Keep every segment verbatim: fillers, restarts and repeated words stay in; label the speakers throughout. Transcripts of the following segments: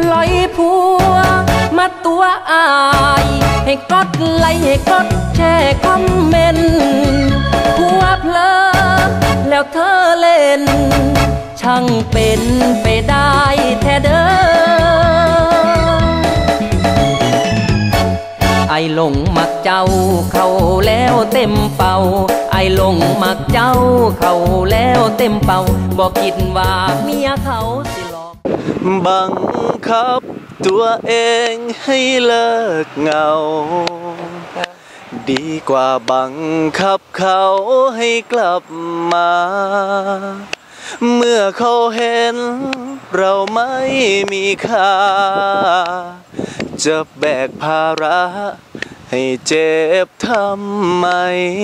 Speaker 1: ลอยผัวมาตัวอายให้กดไลค์ให้กดแชร์คอมเมนต์ผัวเพลอแล้วเธอเล่นช่างเป็นไปได้แท้เด้อไอหลงมักเจ้าเขาแล้วเต็มเป่าไอหลงมักเจ้าเขาแล้วเต็มเป่าบอกคิดว่าเมียเขาสิหลอก
Speaker 2: บังคับตัวเองให้เลิกเหงาดีกว่าบังคับเขาให้กลับมาเมื่อเขาเห็นเราไม่มีค่าจะแบกภาระให้เจ็บทำไม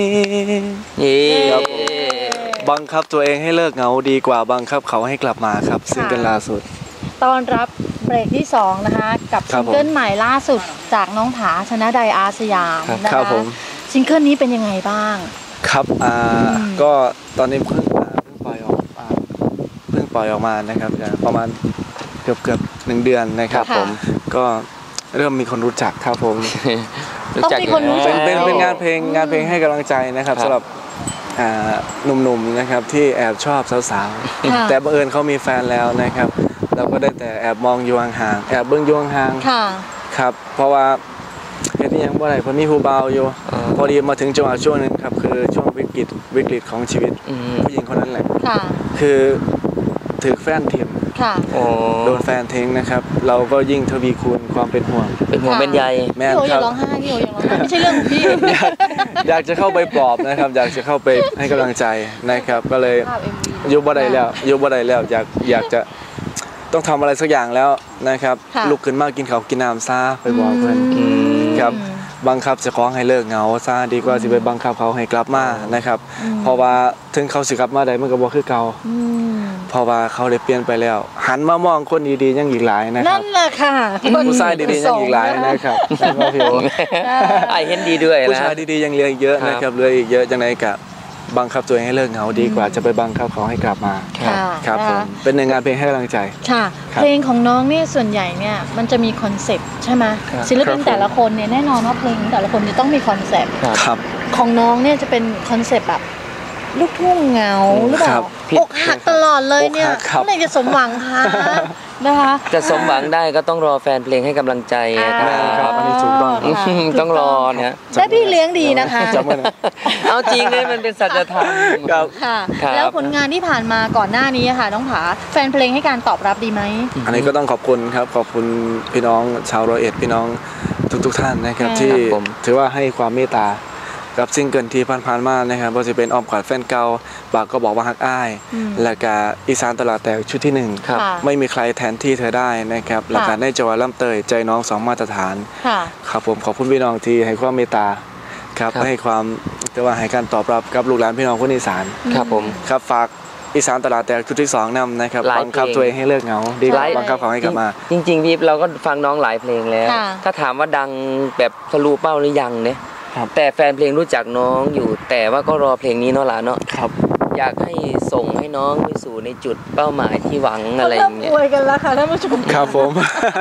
Speaker 2: บังคับตัวเองให้เลิกเหงาดีกว่าบังคับเขาให้กลับมาครับซิงเกิลล่าสุด
Speaker 3: ตอนรับเบรกที่สองนะคะกับซิงเกิลใหม่ล่าสุดจากน้องผาชนะใดอาสยามนะคะซิงเกิลนี้เป็นยังไงบ้าง
Speaker 2: ครับอ่าก็ตอนนี้เพิ่งเพิ่งปล่อยออกเพิ่งปล่อยออกมานะครับประมาณเกือบเกือบหนึ่งเดือนนะครับผมก็เริ่มมีคนรู้จักครับผม
Speaker 3: ต้องมีคนรู้จัก
Speaker 2: เป็นเป็นงานเพลงงานเพลงให้กำลังใจนะครับสำหรับหนุ่มๆนะครับที่แอบชอบสาวๆแต่บังเอิญเขามีแฟนแล้วนะครับเราก็ได้แต่แอบมองอยู่ห่างๆแอบเบื้องอยู่ห่างๆครับเพราะว่าเห็นยังเมื่อไหร่คนมีผู้เบาอยู่พอดีมาถึงจังหวะช่วงนึงครับคือช่วงวิกฤตวิกฤตของชีวิตผู้หญิงคนนั้นแหละคือถือแฟนทิ้งโดนแฟนทิ้งนะครับเราก็ยิ่งทวีคูณความเป็นห่วง
Speaker 4: เป็นห่วงเป็นใย
Speaker 3: แม่พี่โออย่าร้องไห้พี่โออย่าร้องไห้ไม่ใช่เรื่องของพี่
Speaker 2: อยากจะเข้าไปปลอบนะครับอยากจะเข้าไปให้กำลังใจนะครับก็เลยยุบบ่ได้แล้วยุบบ่ได้แล้วอยากอยากจะต้องทำอะไรสักอย่างแล้วนะครับลุกขึ้นมากินข้าวกินน้ำซาไปบอกเพื่อนครับบังคับจะคล้องให้เลิกเหงาซาดีกว่าสิไปบังคับเขาให้กลับมานะครับเพราะว่าถึงเขาสิกลับมาได้มันก็บ่คือเก่าเพราะว่าเขาได้เปลี่ยนไปแล้วหันมามองคนดีๆยังอีกหลายนะครับนั่
Speaker 3: นแหละค่ะ
Speaker 2: ผู้ชายดีๆยังอีกหลายนะครับ
Speaker 4: ไอเห็นดีด้วย
Speaker 2: ผู้ชายดีๆยังเหลืออีกเยอะนะครับเหลืออีกเยอะจังไหนกับบังคับตัวเองให้เลิกเหงาดีกว่าจะไปบังคับเขาให้กลับมาครับผมเป็นงานเพลงให้กำลังใจ
Speaker 3: ค่ะเพลงของน้องเนี่ยส่วนใหญ่เนี่ยมันจะมีคอนเซปต์ใช่ไหมศิลปินแต่ละคนเนี่ยแน่นอนว่าเพลงแต่ละคนจะต้องมีคอนเซปต์ของน้องเนี่ยจะเป็นคอนเซปต์แบบลูกทุ่งเหงาหรือเปล่าอกหักตลอดเลยเนี่ยเมื่อไหร่จะสมหวังคะนะคะ
Speaker 4: จะสมหวังได้ก็ต้องรอแฟนเพลงให้กำลังใจ
Speaker 2: ครับอันนี้ถูกต้อง
Speaker 4: ต้องรอเนี่ย
Speaker 3: และพี่เลี้ยงดีนะคะ
Speaker 4: เอาจริงเลยมันเป็นสัจธรรม
Speaker 3: ค่ะแล้วผลงานที่ผ่านมาก่อนหน้านี้ค่ะน้องผาแฟนเพลงให้การตอบรับดีไหม
Speaker 2: อันนี้ก็ต้องขอบคุณครับขอบคุณพี่น้องชาวร้อยเอ็ดพี่น้องทุกๆท่านนะครับที่ถือว่าให้ความเมตตากับซิงเกิลที่ผ่านๆมานะครับว่าจะเป็นอ้อมกอดแฟนเก่าปากก็บอกว่าฮักอ้ายและก็อีสานตลาดแตกชุดที่หนึ่งไม่มีใครแทนที่เธอได้นะครับและการได้จังหวะล่ำเตยใจน้องสองมาตรฐานครับผมขอบคุณพี่น้องที่ให้ความเมตตาครับให้ความแต่ว่าให้การตอบรับกับลูกหลานพี่น้องคนอีสาน
Speaker 4: ครับผม
Speaker 2: ครับฝากอีสานตลาดแตกชุดที่สองนำนะครับบังคับตัวเองให้เลิกเหงาดีกว่าบังคับเขาให้กลับมา
Speaker 4: จริงๆพี่เราก็ฟังน้องหลายเพลงแล้วถ้าถามว่าดังแบบทะลุเป้าหรือยังเนี่ยแต่แฟนเพลงรู้จักน้องอยู่แต่ว่าก็รอเพลงนี้เนาะล่ะเนาะ
Speaker 2: ครับ
Speaker 4: อยากให้ส่งให้น้องไปสู่ในจุดเป้าหมายที่หวังอะไรอย่างเงี้ย
Speaker 3: อวยกันแล้วค่ะท่านผู้ชม
Speaker 2: ครับผม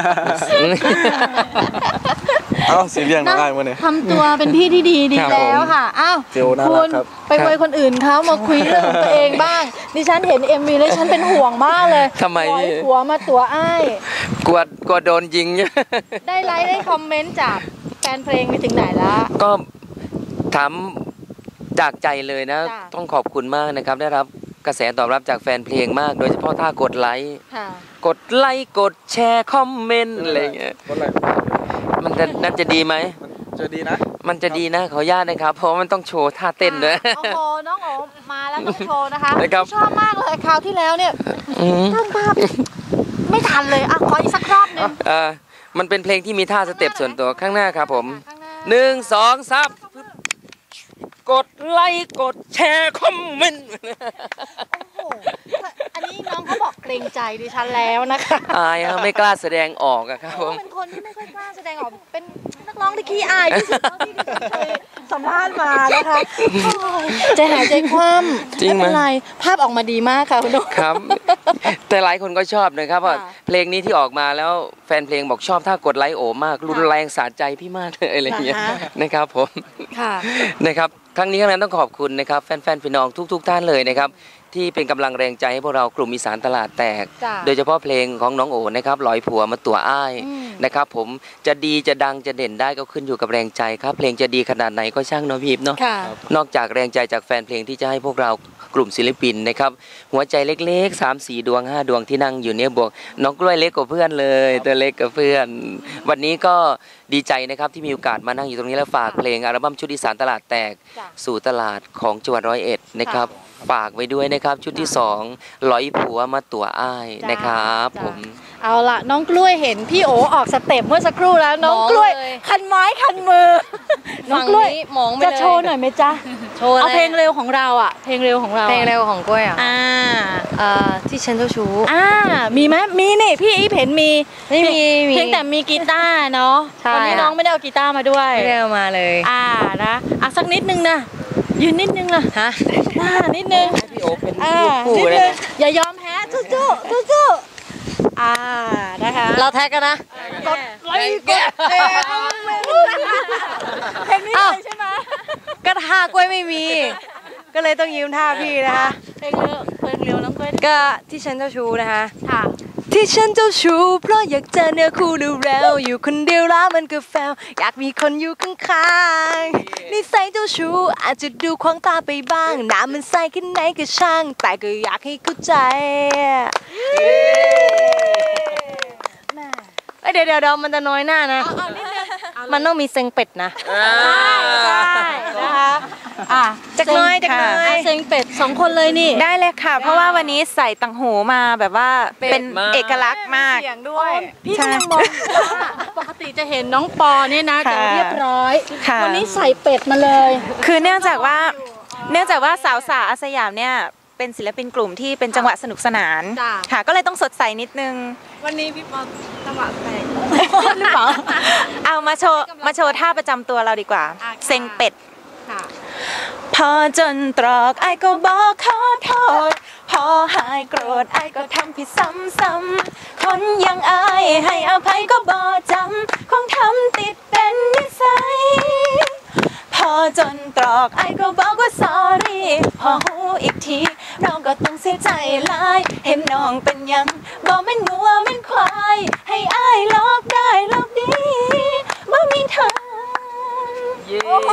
Speaker 2: เอาสีเรียงได้มาเนี่ย
Speaker 3: ทำตัวเป็นพี่ที่ดีดีแล้วค่ะอ้าวคุณไปอวยคนอื่นเขามาคุยเรื่องตัวเองบ้างดิฉันเห็นเอ็มวีแล้วฉันเป็นห่วงมากเลย
Speaker 4: ทำไม
Speaker 3: หัวมาตัวอ้าย
Speaker 4: กลัวกลัวโดนยิง
Speaker 3: ได้ไลค์ได้คอมเมนต์จากแฟนเพลงไปถึงไหนแล้ว
Speaker 4: ก็ถามจากใจเลยนะต้องขอบคุณมากนะครับได้รับกระแสตอบรับจากแฟนเพลงมากโดยเฉพาะถ้ากดไลค์กดไลค์กดแชร์คอมเมนต์อะไรเงี้ยมันจะน่าจะดีไหม
Speaker 2: จะดีนะ
Speaker 4: มันจะดีนะขออนุญาตนะครับเพราะมันต้องโชว์ท่าเต้นด้วย
Speaker 3: โอ้โหน้องโอมาแล้วต้องโชว์นะคะชอบมากเลยคราวที่แล้วเนี่ยตั้งภาพไม่ทันเลยอ่ะขออีกสักรอบนึง
Speaker 4: มันเป็นเพลงที่มีท่าสเต็ปส่วนตัวข้างหน้าครับผมหนึ่งสองสามกดไลค์กดแชร์คอมเมนต์
Speaker 3: โอ้โหอันนี้น้องเขาบอกเกรงใจดิฉันแล้วนะคะ
Speaker 4: อายไม่กล้าแสดงออกอะครับผม
Speaker 3: เป็นคนที่ไม่ค่อยกล้าแสดงออกเป็นนักร้องที่ขี้อายที่สุดที่ดิฉันเคยสัมภาษณ์มานะคะใจหายใจคว่ำไม่เป็นไรภาพออกมาดีมากค่ะคุณนุ๊ก
Speaker 4: ครับแต่หลายคนก็ชอบนะครับว่าเพลงนี้ที่ออกมาแล้วแฟนเพลงบอกชอบถ้ากดไลค์โอมากรุนแรงสะใจพี่มากเลยอะไรอย่างเงี้ยนะครับผมนะครับครั้งนี้ครั้งนั้นต้องขอบคุณนะครับแฟนๆพี่น้องทุกๆท่านเลยนะครับที่เป็นกำลังแรงใจให้พวกเรากลุ่มอีสานตลาดแตกโดยเฉพาะเพลงของน้องโอนะครับลอยผัวมาตัวอ้ายนะครับผมจะดีจะดังจะเด่นได้ก็ขึ้นอยู่กับแรงใจครับเพลงจะดีขนาดไหนก็ช่างเนาะพี่เนาะนอกจากแรงใจจากแฟนเพลงที่จะให้พวกเรากลุ่มศิลปินนะครับหัวใจเล็กๆ สามสี่ ดวงห้าดวงที่นั่งอยู่เนี่ยบวกน้องกล้วยเล็กกว่าเพื่อนเลยตัวเล็กกับเพื่อนวันนี้ก็ดีใจนะครับที่มีโอกาสมานั่งอยู่ตรงนี้แล้วฝากเพลงอัลบั้มชุดอีสานตลาดแตกสู่ตลาดของจังหวัดร้อยเอ็ดนะครับฝากไว้ด้วยนะครับชุดที่สองร้อยผัวมาตัวอ้ายนะครับผม
Speaker 3: เอาล่ะน้องกล้วยเห็นพี่โอออกสเต็ปเมื่อสักครู่แล้วน้องกล้วยคันไม้คันมือน้องกล้วยจะโชว์หน่อยไหมจ๊ะโชว์เอาเพลงเร็วของเราอ่ะเพลงเร็วของเรา
Speaker 5: เพลงเร็วของกล้วยอ่ะ
Speaker 3: อ่า
Speaker 5: อ่าที่ฉันเจ้าชู้
Speaker 3: อ่ามีไหมมีนี่พี่อีเห็นมี
Speaker 5: ไม่มี
Speaker 3: เพียงแต่มีกีตาร์เนาะวันนี้น้องไม่ได้เอากีตาร์มาด้วย
Speaker 5: ไม่ได้เอามาเลย
Speaker 3: อ่านะอ่ะสักนิดนึงนะยืนนิดนึงนะ
Speaker 5: ฮะ
Speaker 3: หน้านิดนึง
Speaker 4: พี่โอเป็นลูกคู่เลยนะ
Speaker 3: อย่ายอมแพ้สู้สู้สู้อ่านะคะ
Speaker 5: เราแท็กกันนะ
Speaker 3: กดไลค์กดแชร์เพลงนี้เลยใช่ไหม
Speaker 5: ก็ท่ากล้วยไม่มีก็เลยต้องยืมท่าพี่นะคะ
Speaker 3: เพลงเร็วเพลงเร็วน้องกล้วย
Speaker 5: ก็ที่ฉันเจ้าชู้นะคะ
Speaker 3: ค่ะ
Speaker 5: ที่ฉันเจ้าชู้เพราะอยากเจอเนื้อคู่เร็วๆอยู่คนเดียวแล้วมันก็แฟวอยากมีคนอยู่ข้างๆนิสัยเจ้าชู้อาจจะดูควางตาไปบ้างน้ำมันใสแค่ไหนก็ช่างแต่ก็อยากให้เข้าใจเดี๋ยวเดี๋ยวมันจะน้อยหน้านะมันต้องมีเซ็งเป็ดนะ
Speaker 3: ใช่นะคะอ่ะ
Speaker 5: จักน้อยจักน้อย
Speaker 3: เซ็งเป็ดสองคนเลยนี่
Speaker 5: ได้เลยค่ะเพราะว่าวันนี้ใส่ตังหูมาแบบว่าเป็นเอกลักษณ์มาก
Speaker 3: ด้วยพี่กำลังมองว่าปกติจะเห็นน้องปอเนี่ยนะจะเรียบร้อยวันนี้ใส่เป็ดมาเลย
Speaker 5: คือเนื่องจากว่าเนื่องจากว่าสาวสาวอาสยามเนี่ยเป็นศิลปินกลุ่มที่เป็นจังหวะสนุกสนานค่ะก็เลยต้องสดใสนิดนึง
Speaker 3: วันนี้พี่ปอจังหวะแปลก
Speaker 5: หรือเปล่าเอามาโชว์มาโชว์ท่าประจำตัวเราดีกว่าเซ็งเป็ดพอจนตรอกไอ้ก็บอกขอโทษพอหายโกรธไอ้ก็ทำผิดซ้ำๆคนยังอายให้อภัยก็บ่จำคงทำติดเป็นนิสัยพอจนตรอกไอ้ก็บอกว่า sorry พอหูอีกทีน้องก็ต้องเสียใจหลายเห็นน้องเป็นยังบอกเป็นงัวเป็นควายให้อ้ายลอกได้ลอกดีบ่มีทาง
Speaker 3: โอ้โห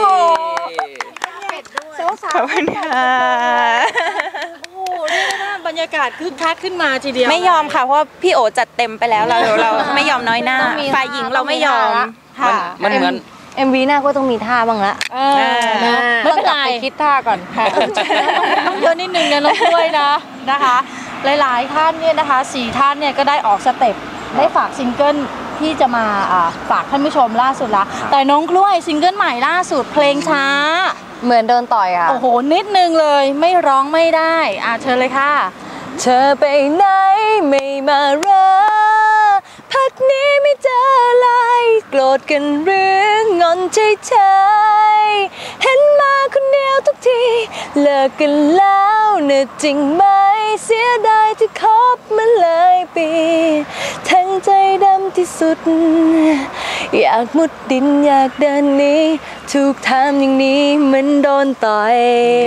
Speaker 5: ขอบคุณค่ะ
Speaker 3: โอ้เรียกได้ว่าบรรยากาศคึกคักขึ้นมาทีเดียว
Speaker 5: ไม่ยอมค่ะเพราะว่าพี่โอจัดเต็มไปแล้วเราเราไม่ยอมน้อยหน้าฝ่ายหญิงเราไม่ยอม
Speaker 4: มันเหมือน
Speaker 5: เอ็มวีหน้าก็ต้องมีท่าบ้างละ
Speaker 3: ไม่เป็นไร
Speaker 5: คิดท่าก่อนค่ะ
Speaker 3: ต้องเยอะนิดนึงนะน้องกล้วยนะนะคะหลายๆท่านเนี่ยนะคะสี่ท่านเนี่ยก็ได้ออกสเต็ปได้ฝากซิงเกิลที่จะมาฝากท่านผู้ชมล่าสุดละแต่น้องกล้วยซิงเกิลใหม่ล่าสุดเพลงช้า
Speaker 5: เหมือนโดนต่อยอ่ะ
Speaker 3: โอ้โหนิดนึงเลยไม่ร้องไม่ได้อ่ะเชิญเลยค่ะ
Speaker 5: เธอไปไหนไม่มาเรอพักนี้ไม่เจออะไรโกรธกันหรืองอนเฉยๆเห็นมาคนเดียวทุกทีเลิกกันแล้วเน่ะจริงไหมเสียดายที่คบมาเลยปีทั้งใจดำที่สุดอยากมุดดินอยากเดินหนีถูกทำอย่างนี้เหมือนโดนต่อย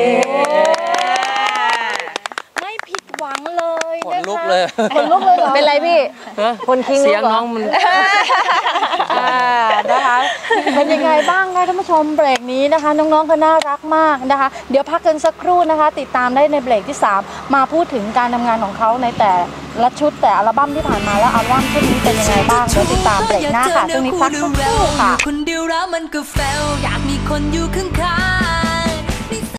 Speaker 3: ไม่ผิดหวังเลย
Speaker 4: ขนลุกเลย
Speaker 3: ขนลุกเลยเหรอ
Speaker 5: เป็นไรพี่คนคิง
Speaker 4: เสียงน้องมัน
Speaker 3: นะคะเป็นยังไงบ้างคะท่านผู้ชมเบรกนี้นะคะน้องๆก็น่ารักมากนะคะเดี๋ยวพักกันสักครู่นะคะติดตามได้ในเบรกที่สามมาพูดถึงการทำงานของเขาในแต่ละชุดแต่อัลบั้มที่ผ่านมาแล้วอัลบั้มชุดนี้เป็นยังไงบ้างเดี๋ยวติดตามเบรกหน้าค่ะช่วงนี้พักสักครู่ค่ะคนเดียวแล้วมันก็แฟลอยากมีคนอยู่ข้าง